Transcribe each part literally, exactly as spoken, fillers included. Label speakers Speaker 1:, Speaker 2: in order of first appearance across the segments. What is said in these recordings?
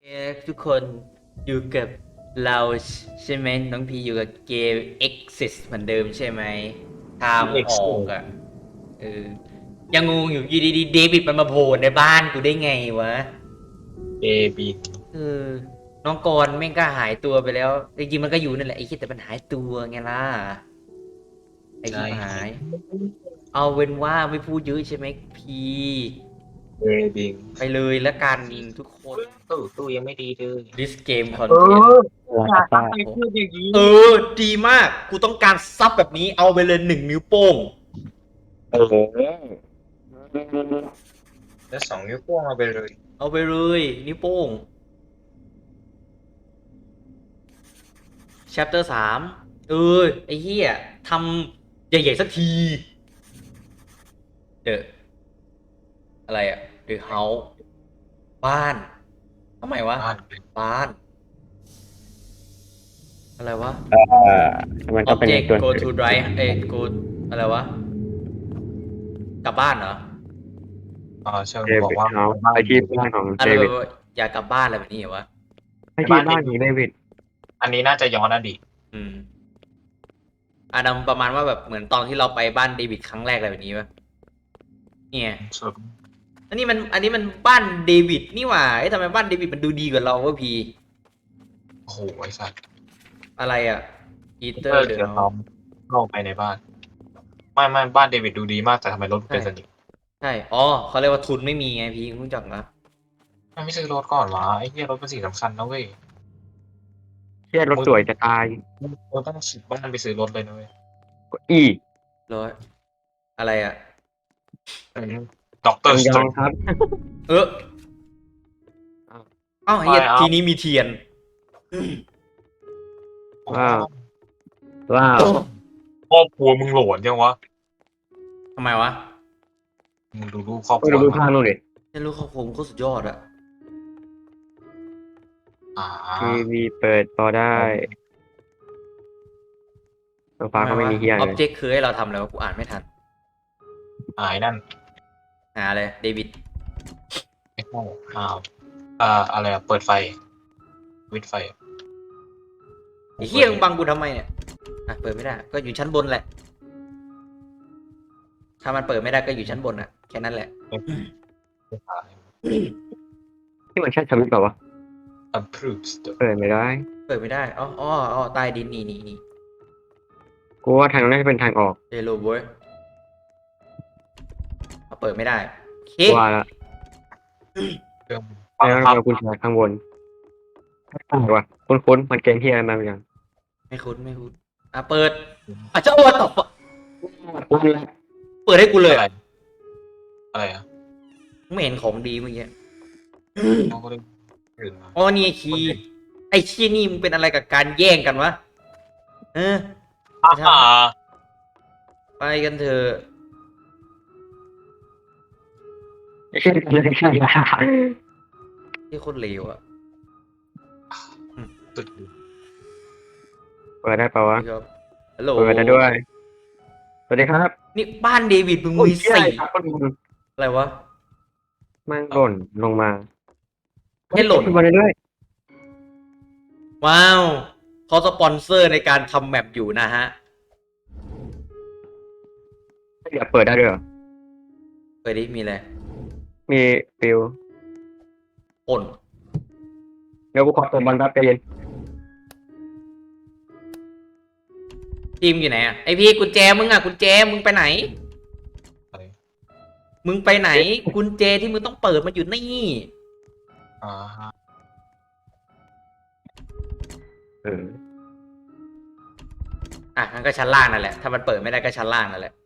Speaker 1: เอ้ทุกคนอยู่กับเราใช่ไหมน้องพีอยู่กับเกม Exit เหมือนเดิมใช่ไหมทางออกอ่ะเออยังงงอยู่อยู่ดีๆเดวิดมันมาโผล่ในบ้านกูได้ไงวะ
Speaker 2: เอบี
Speaker 1: เออน้องกรณ์แม่งก็หายตัวไปแล้วจริงๆมันก็อยู่นั่นแหละไอ้คิดแต่มันหายตัวไงล่ะไอ้ชิ
Speaker 2: ใช่
Speaker 1: บหายเอาเว้นว่าไม่พูดเยอะใช่ไหมพี
Speaker 2: เอบี
Speaker 1: ไปเลยละกันทุกคน
Speaker 2: ตู้ตู้ยังไม่ดีเลย
Speaker 1: this game
Speaker 2: เอ
Speaker 1: content
Speaker 2: ออย่าทำไปพูดอย่างนี้
Speaker 1: เออดีมากกูต้องการซับแบบนี้เอาไปเลยหนึ่งนิ้วโป้ง
Speaker 2: เออแล้วสองนิ้วโป้งเอาไปเลย
Speaker 1: เอาไปเลยนิ้วโป้ง chapter สามเออไอ้เหี้ยทำใหญ่ๆสักทีเดอะอะไรอะ The House บ้านทำไมวะ
Speaker 2: บ้าน
Speaker 1: บ้านอะไรวะ
Speaker 3: เอ่อมันก็เป็นใน
Speaker 1: object
Speaker 3: ส่วน
Speaker 1: go
Speaker 3: อื่
Speaker 1: to
Speaker 3: น
Speaker 1: drive เอ้ย go อะไรวะกลับบ้านเหรอ
Speaker 2: อ่าเชิญ
Speaker 3: เด
Speaker 2: บอกว่า
Speaker 3: วิดเฮาส์
Speaker 2: บ้าน
Speaker 3: ไปที่บ้านของ
Speaker 1: อะ
Speaker 3: เดวิด
Speaker 1: ไรแบบว่าอยากกลับบ้านอะไรแบบนี้เหรอวะ
Speaker 3: ไปที่บ้านของเดวิด
Speaker 2: อันนี้น่าจะย้อนอดีต
Speaker 1: อืม อารมณ์ประมาณว่าแบบเหมือนตอนที่เราไปบ้านเดวิดครั้งแรกอะไรแบบนี้ปะเนี่ย
Speaker 2: ส่วน
Speaker 1: อันนี้มันอันนี้มันบ้านเดวิดนี่หว่าเอ้ยทำไมบ้านเดวิดมันดูดีกว่าเราวะพี
Speaker 2: โอ้โหไอ้สัตว์
Speaker 1: อะไรอ่ะอีเตอ
Speaker 2: เออ
Speaker 1: ร์เดอะ
Speaker 2: เดี๋ยวเราเข้าไปในบ้านไม่ไม่บ้านเดวิดดูดีมากแต่ทำไมรถเป็นสนิม
Speaker 1: ใช่อ๋อเขาเรียกว่าทุนไม่มีไงพีรู้จักนะ
Speaker 2: ไม่ไม่ซื้อรถก่อนวะไอ้เหี้ยรถเป็นสิ่งสำคัญนะเว้ย
Speaker 3: เที่ยรถสวยจะตาย
Speaker 2: เราต้องซื้อบ้านไปซื้อรถเลยนะเว้ย
Speaker 3: อี
Speaker 1: ร้อยอะไรอ่ะ
Speaker 2: ด็อกเตอ
Speaker 3: ยัง
Speaker 2: ร์สเตรน
Speaker 3: ยองครับ
Speaker 1: เออเอ้าเฮียทีนี้มีเทียน
Speaker 3: ว้าวว้าว
Speaker 2: ครอบครัวมึงโหลดยังวะ
Speaker 1: ทำไมวะ
Speaker 2: มึงดูรูปครอบ
Speaker 3: ไป
Speaker 2: ครัวมา
Speaker 3: ดูภาพนู่นดิ
Speaker 1: ไม่รู้เขาผมโคตรสุดยอดอะ
Speaker 2: อ่า
Speaker 3: ทีวีเปิดพอได้โซฟา
Speaker 1: ทำไมวะ
Speaker 3: ก็ไม่มีเฮีย
Speaker 1: ออบ
Speaker 3: เลย
Speaker 1: เจกต์คือให้เราทำอะไรวะกูอ่านไม่ทัน
Speaker 2: หายนั่น
Speaker 1: หาเลยเดวิด
Speaker 2: ไม่เข้าอ้าวอ่าอะไรอะเปิดไฟ วิดไฟ
Speaker 1: ไอ้เฮียมึงบังกูทำไมเนี่ยอ่ะเปิดไม่ได้ก็อยู่ชั้นบนแหละถ้ามันเปิดไม่ได้ก็อยู่ชั้นบนอะแค่นั้นแหละ
Speaker 3: ที่มันใช่สวิตช์เปล่าวะ
Speaker 2: approves
Speaker 3: เปิดไม่ได้
Speaker 1: เปิดไม่ได้อ๋ออ๋ออ๋อใต้ดินนี่นี่นี่
Speaker 3: กูว่าทางนั้นน่าจะเป็นทางออก
Speaker 1: เฮลโลบอยเปิดไม่ได้โอเค
Speaker 3: ว่าละ
Speaker 2: เครื่องบั
Speaker 3: แล้ว
Speaker 2: งคับ
Speaker 3: เรากุญแจข้างบนอะไรวะคุ้นๆมันเกมเฮียอะไรมาเหมือนกัน
Speaker 1: ไม่คุ้นไม่คุ้นอ่ะเปิดอ่ะเจ้าตัวตบเปิดให้กูเลย
Speaker 2: อะไร
Speaker 1: อ่ะ
Speaker 2: อะไรอ่ะ
Speaker 1: ไม่เห็นของดีเมื่อกี้
Speaker 2: เขาก็ได้ตื่นมา
Speaker 1: อ๋อนี่ไอ้คีย์ไอ้ชี้ยนี่มึงเป็นอะไรกับการแย่งกันวะเออ
Speaker 2: อ่า
Speaker 1: ไปกันเถอะ
Speaker 3: ไม่ใช่ไม่ใช่
Speaker 1: ที่โคตรเลวอ่ะ
Speaker 2: ตึก
Speaker 3: เปิดได้เปล่าวะ
Speaker 1: ครับฮัลโหล
Speaker 3: เปิดได้ด้วย สวัสดีครับ
Speaker 1: นี่บ้านเดวิดมึง
Speaker 3: โอ้ย
Speaker 1: มี
Speaker 3: เชี่ย
Speaker 1: สี่
Speaker 3: ครับคนมึง
Speaker 1: อะไรวะ
Speaker 3: มันหล่นลงมา
Speaker 1: ให้หล่น
Speaker 3: ขึ้นมาเรื่อย
Speaker 1: ว้าวเขาสปอนเซอร์ในการทำแมปอยู่นะฮะ
Speaker 3: ๆเดี๋ยวเปิดได้ด้วยเหรอ
Speaker 1: เปิดดิมีอะไร
Speaker 3: มีฟิว
Speaker 1: ป่น
Speaker 3: เดี๋ยวกูขอตัวบอลแป๊บใจเย็น
Speaker 1: ทีมอยู่ไหนอ่ะไอพี่กุญแจมึงอ่ะกุญแจมึงไปไหน
Speaker 2: อะไร
Speaker 1: มึงไปไหน กุญแจที่มึงต้องเปิดมาอยู่นี่
Speaker 2: อ่า
Speaker 3: เออ
Speaker 1: อ่ะงั้นก็ชั้นล่างนั่นแหละถ้ามันเปิดไม่ได้ก็ชั้นล่างนั่นแหละ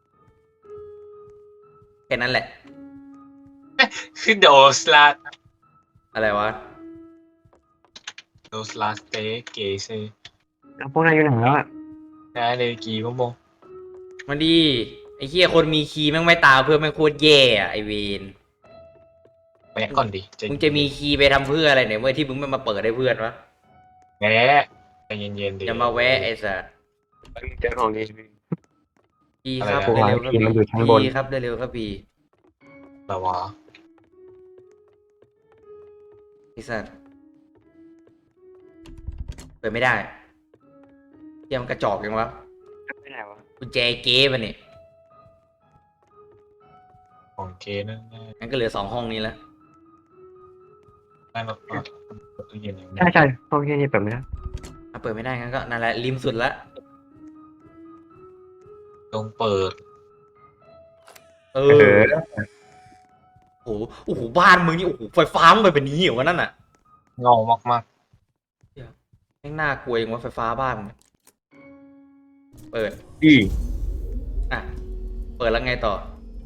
Speaker 1: แค่นั้นแหละ
Speaker 2: คือโดสลา
Speaker 1: อะไรวะ
Speaker 2: โดสลาสเตเกเซ
Speaker 3: แล้วพวกนายอยู่ไหนแล้วอ่ะ
Speaker 2: ได้เลยกี่โมง
Speaker 1: มันดีไอ้เหี้ยคนมีคีย์แม่งไม่ตามเพื่อนแม่งโคตรแย่อะไอเวน
Speaker 2: แวะก่อนดิ
Speaker 1: มึงจะมีคีย์ไปทำเพื่ออะไรเนี่ยเมื่อที่มึงไม่มาเปิดให้เพื่อนวะ
Speaker 2: แวะใจเย็นๆดิ
Speaker 1: อย่ามาแวะไอ้สัส
Speaker 3: เจอของดี
Speaker 1: พีครับ
Speaker 3: อะไรอะ
Speaker 1: เร็วๆครับ
Speaker 3: คีย์มันอยู่ชั้นบน
Speaker 1: พีครับเร็วๆครับพี
Speaker 2: แต่ว่า
Speaker 1: ไอ้สัสปิดไม่ได้เหี้ยังมันกระจอกยังวะ
Speaker 3: ไม่ได้วะ
Speaker 1: กุญแจเก๊มันเนี่ย
Speaker 2: ของเกนั่น
Speaker 1: งั้นก็เหลือสองห้องนี้แล้ว
Speaker 2: ได้มาเปิดตู้เย็นอย่างนี้
Speaker 3: ใช่ใช่ห้องที่นี่เปิดไม่ได้
Speaker 1: ถ้าเปิดไม่ได้งั้นก็นั่นแหละริมสุดละ
Speaker 2: ต้องเปิด
Speaker 1: เอ
Speaker 3: เอ
Speaker 1: อ
Speaker 3: อ
Speaker 1: โอ้โหโอ้โหบ้านมึงนี่โอ้โหไฟฟ้ามึงไปเป็นนี้เหรอวะนั่นน่ะ
Speaker 2: เงามาก
Speaker 1: แม่งน่ากลัวยังว่าไฟฟ้าบ้านมึงเปิด
Speaker 3: อี
Speaker 1: อ่ะเปิดแล้วไงต่อ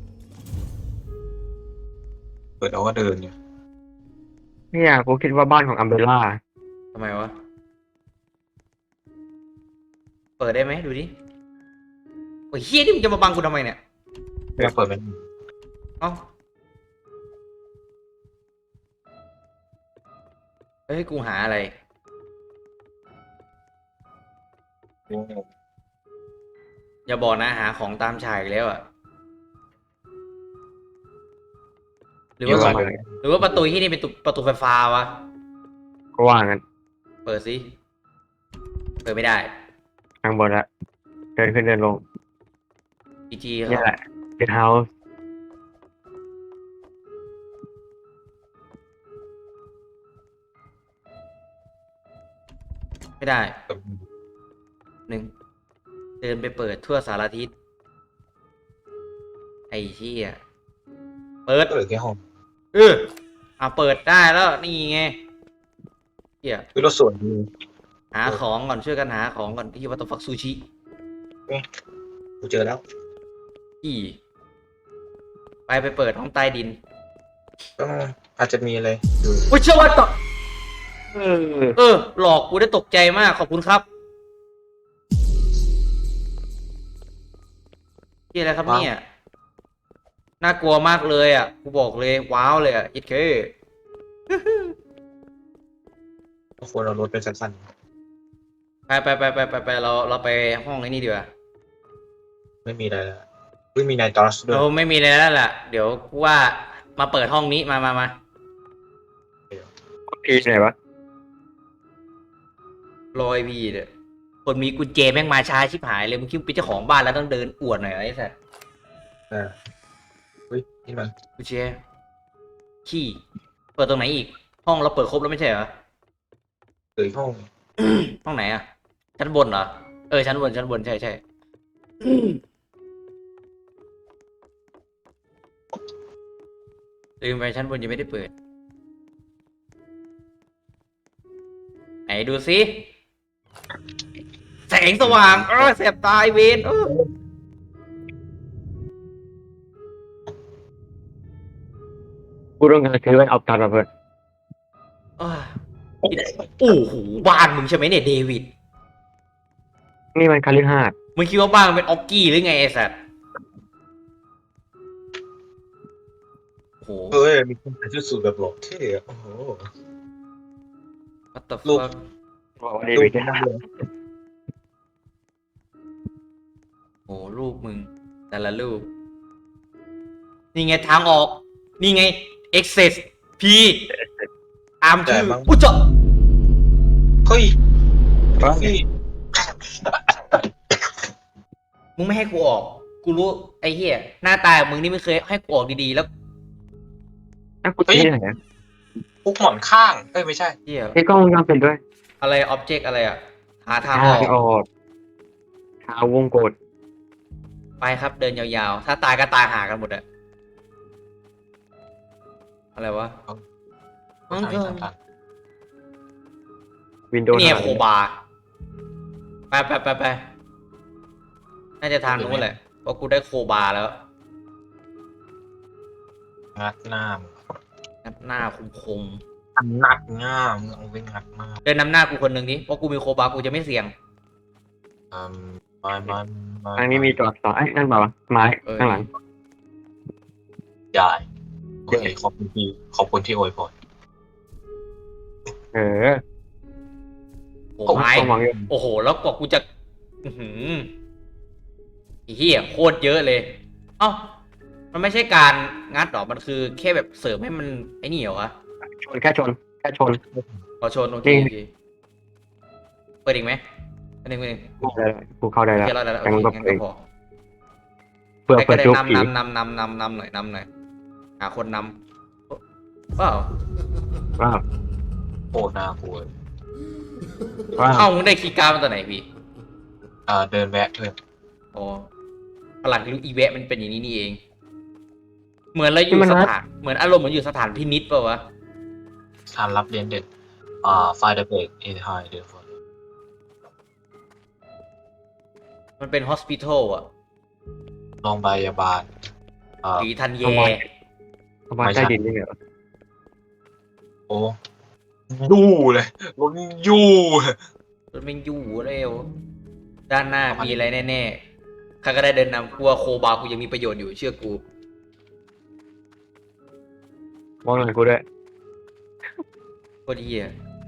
Speaker 2: ๆเปิดเอาก็เดินอยู่
Speaker 3: เนี่ยกูคิดว่าบ้านของอัมเบร่า
Speaker 1: ทำไมวะเปิดได้ไหมดูดิโอ้ยเฮียนี่มึงจะมาบังกูทำไมเนี่ย
Speaker 2: ไม่เปิดมัน
Speaker 1: เอ้าเฮ้ยกูหาอะไร อย่าบอกนะหาของตามฉายอีกแล้วอ่ะหรือ
Speaker 3: เยอะ
Speaker 1: ว่า
Speaker 3: มากเลย
Speaker 1: หรือว่าประตูที่นี่เป็นตุประตูไฟฟ้าวะ
Speaker 3: ก็ว่างั้น
Speaker 1: เปิดสิเปิดไม่ได้
Speaker 3: ข้างบนละเดินขึ้นเดินลง
Speaker 1: จีจี
Speaker 3: นี่แหละเกทเฮาส์
Speaker 1: ไม่ได้หนึ่งเดินไปเปิดทั่วสารทิศไอ้เชี่ยเปิด
Speaker 2: เปิดแค่ห้อง
Speaker 1: เอออ่ะเปิดได้แล้วนี่ไงเชี่ย
Speaker 2: คือเราส่วนดี
Speaker 1: หาของก่อนช่วยกันหาของก่อนที่วัตถุฟักซูชิ
Speaker 2: กูเจอแล้ว
Speaker 1: อีไปไปเปิดห้องใต้ดิน
Speaker 2: ต้องอาจจะมีอะไรอยู่
Speaker 1: โอ้ยเชื่อว่าต่อ
Speaker 3: เออ
Speaker 1: เออ หลอกกูได้ตกใจมากขอบคุณครับที่อะไรครับเนี่ยน่ากลัวมากเลยอ่ะกูบอกเลยว้าวเลยอ่ะอิดเค
Speaker 2: ทุกคนเรารถเป็นสั้น
Speaker 1: ไปไปไปไปไปไปเราเราไปห้องไอ้นี่ดีกว่า
Speaker 2: ๆไม่มีอะไรแล้วไม่มีนายตอสด้วย
Speaker 1: เราไม่มีอะไรแล้วล่ะเดี๋ยวกูว่ามาเปิดห้องนี้มามามา
Speaker 3: พีไหนวะ
Speaker 1: รอยพีเด้อคนมีกุญแจแม่งมาช้าชิบหายเลยมึงคิดว่าเป็นเจ้าของบ้านแล้วต้องเดินอวดหน่อยเหรอไอ้สัส
Speaker 2: อ่าเฮ้ยนี่มัน
Speaker 1: กุญแจขี้เปิดตรงไหนอีก ห้องเราเปิดครบแล้วไม่ใช่เหรอ
Speaker 2: เปิดห้อง
Speaker 1: ห้องไหนอ่ะชั้นบนเหรอเออชั้นบนชั้นบนใช่ใช่ลืมไปชั้นบนยังไม่ได้เปิดไหนดูสิแสงสว่างเออแสบตาไอ้เวนเออ
Speaker 3: กูต้องการซื้อแว่นออฟตัดมาเพื่อน
Speaker 1: เออโอ้โหบ้านมึงใช่ไหมเนี่ยเดวิด
Speaker 3: นี่มันคาลิฮาด
Speaker 1: มึงคิดว่าบ้านมันเป็นออกกี้หรือไงไอ้สัตว์โอ้โห
Speaker 2: เฮ้ยมีคนใส่ชุดสูทแบบหล่อเท่อะโอ้โห
Speaker 1: what the
Speaker 2: ลูก
Speaker 1: fuck
Speaker 3: บอกว่าเดวิดเนี่ย
Speaker 1: โอ้ลูกมึง แต่ละลูก นี่ไงทางออก นี่ไง access p ตามชื่ออุ้ยเจ้า
Speaker 2: เฮ้ย
Speaker 3: ว่า
Speaker 2: พี่
Speaker 1: มึงไม่ให้กูออก กูรู้ไอ้เหี้ยหน้าตามึงนี่ไม่เคยให้กูออกดีๆแล้ว
Speaker 3: อ่ะกูที่ไหนอ่ะ
Speaker 2: ปุ๊กหมอนข้างเอ้ยไม่ใช่
Speaker 1: เหี้ย
Speaker 3: ไอ้กล้องวงจรปิดด้วย
Speaker 1: อะไร object อะไรอ่ะ หาทาง
Speaker 3: ทา
Speaker 1: ออก
Speaker 3: งออกทางวงกด
Speaker 1: ไปครับเดินยาวๆ ถ้าตายก็ตายหากันหมดอะอะไรวะ
Speaker 2: ทางนี้ทางตัน
Speaker 3: วินโดว์
Speaker 1: เนี่ยโคบาร์ไปไปไปไปน่าจะทางนู้นแหละ เพราะกูได้โคบาร์แล้ว
Speaker 2: งัดหน้ามึง
Speaker 1: งัดหน้าคมคม
Speaker 2: งัดหน้ามึงเอาไปงัดหน้า
Speaker 1: ๆเดินนำหน้ากูคนหนึ่งดิเพราะกูมีโคบาร์กูจะไม่เสี่ยง
Speaker 2: อืมมามามา
Speaker 3: ทางนี้มีตัวอักษรไอ้ยนั่นเปล่าวะไม้
Speaker 1: เออ
Speaker 3: ข้างหลัง
Speaker 2: ใหญ่โอเคขอบคุณที่ขอบคุณที่อวยพร
Speaker 3: เออ
Speaker 1: โอ้ไม้
Speaker 3: ต้องมองอยู่
Speaker 1: โอ้โห แล้วกว่ากูจะ อือหือไอ้เหี้ยโคตรเยอะเลย เอ้า มันไม่ใช่การงัดหรอ มันคือแค่แบบเสริมให้มันไอ้นี่เหรอวะ
Speaker 3: ชนแค่ชนแค่ชน
Speaker 1: พอชนโอเค
Speaker 3: จริง
Speaker 1: โอเคปิดอีกไหมอันหนึ่งอันหนึ่ง
Speaker 3: ได้แล้วกูเข้าได้
Speaker 1: โอ
Speaker 3: แล้ว
Speaker 1: เคเราได้แล้วโอ
Speaker 3: งั้น
Speaker 1: เค
Speaker 3: ก็
Speaker 1: งั้น
Speaker 3: เอ
Speaker 1: ก็
Speaker 3: ง
Speaker 1: พอ
Speaker 3: เพื่อ
Speaker 1: ใคร
Speaker 3: เพื่
Speaker 1: ก็
Speaker 3: อ
Speaker 1: ได้
Speaker 3: จุกผี
Speaker 1: นำนำนำนำนำนำหน่อยนำหน่อยหาคนนำว้าว
Speaker 3: ว้าว
Speaker 2: โคตรน่ากลัว
Speaker 3: ว้าว
Speaker 1: เอ้ามึงได้คีย์การ์ดมาตัวไหนพี่
Speaker 2: อ่าเดินแวะเพื่อน
Speaker 1: อ๋อพลังลูกอีแวะมันเป็นอย่างนี้นี่เอง เหมือนเราอยู่สถานเหมือนอารมณ์เหมือนอยู่สถานพินิจเปล่าวะ
Speaker 2: ทานรับเรียนเด็ดอ่าไฟเดอร์เบรกเอทไฮเดอร์ฟอน
Speaker 1: มันเป็นฮอสพิทอลอะ
Speaker 2: โรงพยาบาลอ่า
Speaker 1: หรือทันแย
Speaker 3: เข้ามาใต้ดินนี่เหรอ
Speaker 2: โอ้ยู่เลยรถยู่เลย
Speaker 1: มันเป็นอยู่เร็ว ด้านหน้ามีอะไรแน่ๆข้าก็ได้เดินนำกลัวโคบากูยังมีประโยชน์อยู่เชื่อกู
Speaker 3: มองหน่อยกูด้วย
Speaker 1: โคตรเหี้ย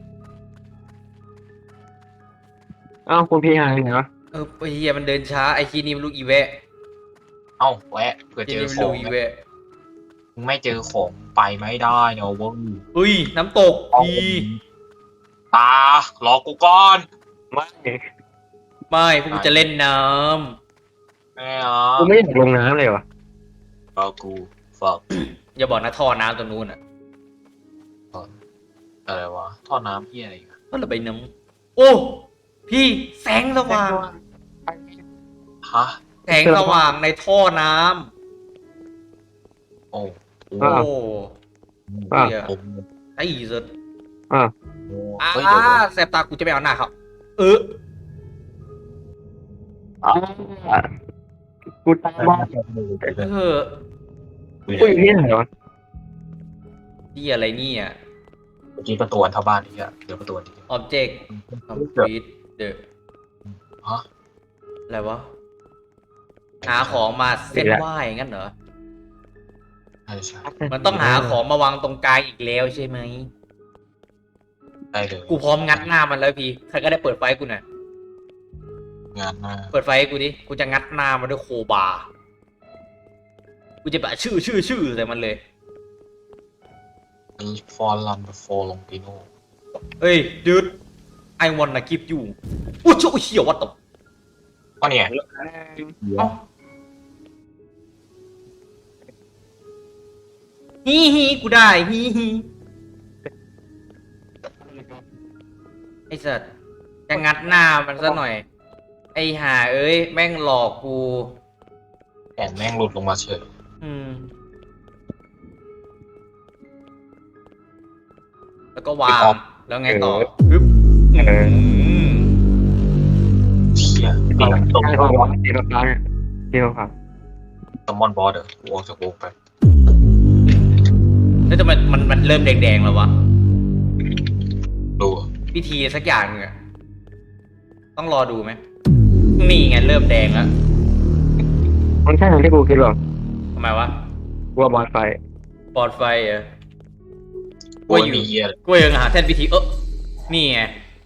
Speaker 3: อ้าวคุณพี่หายไปไหนวะ
Speaker 1: เออไอ้เหี้ยมันเดินช้าไอ้คีนี่มันลูกอีแวะ
Speaker 2: เอ้าแวะเผื่อ
Speaker 1: คี
Speaker 2: เจอ
Speaker 1: นี่มัน
Speaker 2: ข
Speaker 1: ลู
Speaker 2: อก ง
Speaker 1: อีแวะ
Speaker 2: มึงไม่เจอของไปไม่ได้เนาะเวะ
Speaker 1: อุ้ยน้ำตกพี
Speaker 2: ตารอกูก่อน
Speaker 3: ไม่
Speaker 1: ไม่พวกกูจะเล่นน้
Speaker 2: แม่อ่ะ
Speaker 3: กูไม่อยากลงน้ำเลยวะ
Speaker 2: รอกูฝาก
Speaker 1: ำอย่าบอกนะท่อน้ำตัวนู้นอ่ะ
Speaker 2: อะไรวะท่อน้ำเหียอะไรอีกัน
Speaker 1: ก็ระบายน้ำโอ้พี่แสงสว่าง
Speaker 2: ฮะ
Speaker 1: แสงสว่างในท่อน้
Speaker 2: โอ้โห
Speaker 1: ำโอ้
Speaker 3: อ้าว
Speaker 1: เหี้ย
Speaker 2: ผม
Speaker 1: ไอ้สุด
Speaker 3: อ้าว
Speaker 1: อ่า
Speaker 2: เฮ้ยเดี๋ยวเดี๋ยว
Speaker 1: แสบตากูจะไม่เอาหน้าเขาเออ
Speaker 3: อ้าวกูตายบ้า
Speaker 1: เออ
Speaker 3: กูอยู่ที่ไหนวะ
Speaker 1: ที่อะไรเนี่ย
Speaker 2: เมื่อกี้ประตูอันเท่าบ้านนี่อะเดี๋ยวประตูอันนี้
Speaker 1: object complete the
Speaker 2: ฮะ
Speaker 1: อะไรวะหาของมาเส้นไหวงั้นเหรอ
Speaker 2: ใช่ใช่
Speaker 1: มันต้องหาของมาวางตรงกลางอีกแล้วใช่ไหม
Speaker 2: ได้เลย
Speaker 1: กูพร้อมงัดหน้ามันแล้วพี่ใครก็ได้เปิดไฟกูหน่อย
Speaker 2: งานหน้า
Speaker 1: เปิดไฟให้กูดิกูจะงัดหน้ามันด้วยโคบาร์กูจะแบบชื่อชื่อชื่อใส่มันเลย
Speaker 2: มีฟอร์ลัมฟอร์ลงปิโน
Speaker 1: เฮ้ยดูด I wanna keep you อุ้ยเจ้าเหี้ยวัดตบ
Speaker 2: ก็เนี่ย
Speaker 1: เอ้าฮีฮีกูได้ฮีฮีไอ้สัตว์จะงัดหน้ามันซะหน่อย ไอ้ห่าเอ้ยแม่งหลอกกู
Speaker 2: แอนแม่งหลุดลงมาเฉย
Speaker 1: อืม แล้วก็วาง แล้วไงต่อปึ๊บอืม
Speaker 2: เชี่ย
Speaker 3: ที่
Speaker 2: ตี
Speaker 3: ตรง
Speaker 2: ตรง
Speaker 3: ที่ตรงฟ้าที่ตรงฟ้าที่ตรงฟ้า
Speaker 2: สมอนบอสเดอร์กูออกจากวงไป
Speaker 1: แล้วทำไมมันมันเริ่มแดงๆแล้ววะ
Speaker 2: ดู
Speaker 1: พิธีสักอย่างหนึงอะต้องรอดูไหม นี่ไงเริ่มแดงแล้ว
Speaker 3: มันใช่อย่างที่กูคิดหรอ
Speaker 1: ทำไมวะ
Speaker 3: กูว่าบอลไฟ
Speaker 1: ปลอดไฟเหรอ
Speaker 2: กูไม่มีเฮีย
Speaker 1: กูยังหาแท่นพิธีเออนี่ไง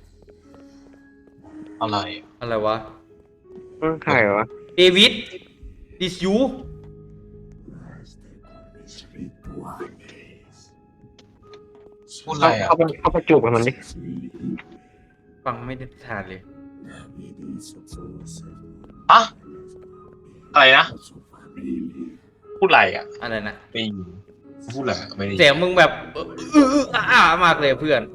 Speaker 2: อะไร
Speaker 1: อะไรวะ
Speaker 3: ใครวะ
Speaker 1: เดวิด ดิสยู
Speaker 2: พูดอะไรอ่ะ
Speaker 3: เข้าไปเข้าไปจูบกับมันดิ
Speaker 1: ฟังไม่ได้ทานเลย
Speaker 2: ฮะอะไรนะพูดอะไรอ่ะ
Speaker 1: อะไรนะ
Speaker 2: ไม่พูดอะไรไม่ได้
Speaker 1: เสียงมึงแบบเออเออเอออ้ามากเลยเพื่อน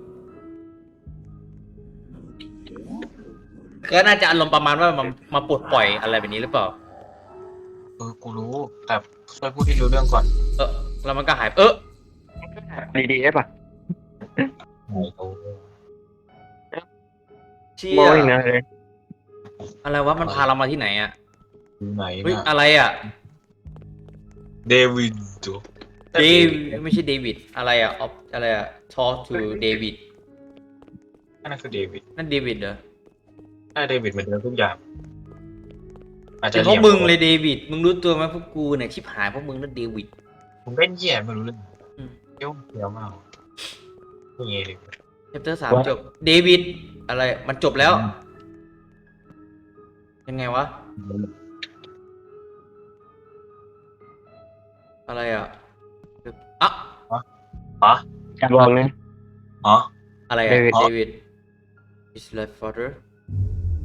Speaker 1: ก็น่าจะอารมณ์ประมาณว่ามามาปลดปล่อยอะไรแบบนี้หรือเปล่า
Speaker 2: เออกูรู้ แต่ช่วยพูดที่รู้เรื่องก่อน
Speaker 1: เออแล้วมันก็หาย เออ
Speaker 3: ดีดีได้ปะ
Speaker 2: โอ้โห
Speaker 1: เชี่
Speaker 3: มอง
Speaker 1: ย
Speaker 3: อีกนะเลย
Speaker 1: อะไรวะมันพาเรามาที่ไหนอะ
Speaker 2: อยู่ไหน
Speaker 1: เฮ้ย
Speaker 2: นะ
Speaker 1: อะไรอะ
Speaker 2: เดวิดจู
Speaker 1: เดวไม่ใช่เดวิดอะไรอะออฟอะไรอะ talk to เดวิด
Speaker 2: นั่นคือเดวิด
Speaker 1: นั่นเดวิดเหรอ
Speaker 2: ถ้าเดวิดเหมือนเดิมทุกอย่าง อาจจะ
Speaker 1: เป็นพวกมึงเลยเดวิดมึงรู้ตัวไหมพวกกูเนี่ยชิบหายพวกมึงนั่นเดวิด
Speaker 2: มึงเล่นแย่ไม่รู้เรื่อง
Speaker 1: อืม
Speaker 2: เยี่ยวเยี่ยวมากนี่ไงเลย
Speaker 1: เชปเตอร์สามจบเดวิดอะไรมันจบแล้ว ยังไงวะ อะไรอ่ะอ่ะ
Speaker 2: ฮะ
Speaker 3: ลองเลย
Speaker 2: ฮะ
Speaker 1: อะไรอ่ะ
Speaker 3: David
Speaker 1: เดวิด his life father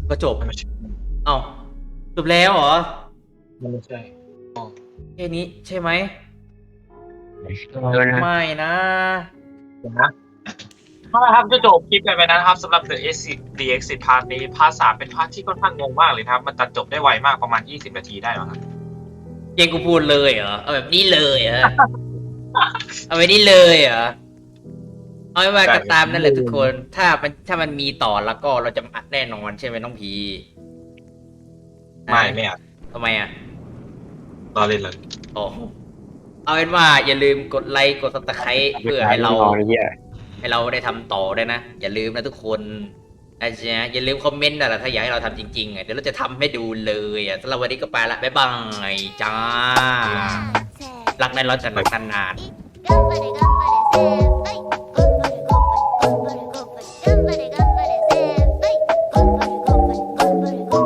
Speaker 1: ก็จบ
Speaker 2: มันไม่ใช่
Speaker 1: เอ้าจบแล้วเหรอ
Speaker 2: มันไม่ใช่
Speaker 1: แค่นี้ใช่ไหม
Speaker 3: เออนะ
Speaker 1: ไม่นะ
Speaker 2: เดี๋ยวนะถ้าเราทำจะจบคลิปไปไปนะครับสำหรับ The Exit The Exit พาร์ทนี้พาร์ทสามเป็นพาร์ทที่ค่อนข้างงงมากเลยนะครับ มันตัดจบได้ไวมากประมาณยี่สิบนาทีได้หรอครับ
Speaker 1: ยังกูพูดเลยเหรอ เอาแบบนี้เลยเหรอ เอาแบบนี้เลยเหรอ เอาไม่ว่าก็ตามนั่นแหละทุกคน ถ้ามันถ้ามันมีต่อแล้วก็เราจะอัดแน่นอนใช่ไหมน้องพี
Speaker 2: ไม่ไม่อ่ะ
Speaker 1: ทำไมอ่ะ
Speaker 2: รอเล่นเลย
Speaker 1: โอ้เอาเป็นว่าอย่าลืมกดไลค์กดซับสไครต์เพื่อให้เรา
Speaker 3: นอนไอ้เหี้ย
Speaker 1: ให้เราได้ทำต่อด้วยนะ อย่าลืมนะทุกคนนะจ๊ะอย่าลืมคอมเมนต์นะถ้าอยากให้เราทำจริงๆอ่ะเดี๋ยวเราจะทำให้ดูเลยอ่ะสำหรับวันนี้ก็ไปละบ๊ายบายจ้ารักในร้อนจันทร์นานๆ
Speaker 4: 頑張れ頑張れ先輩頑張れ頑張れ頑張れ頑張れ頑張れ先輩頑張れ頑張れ頑張れ頑張れ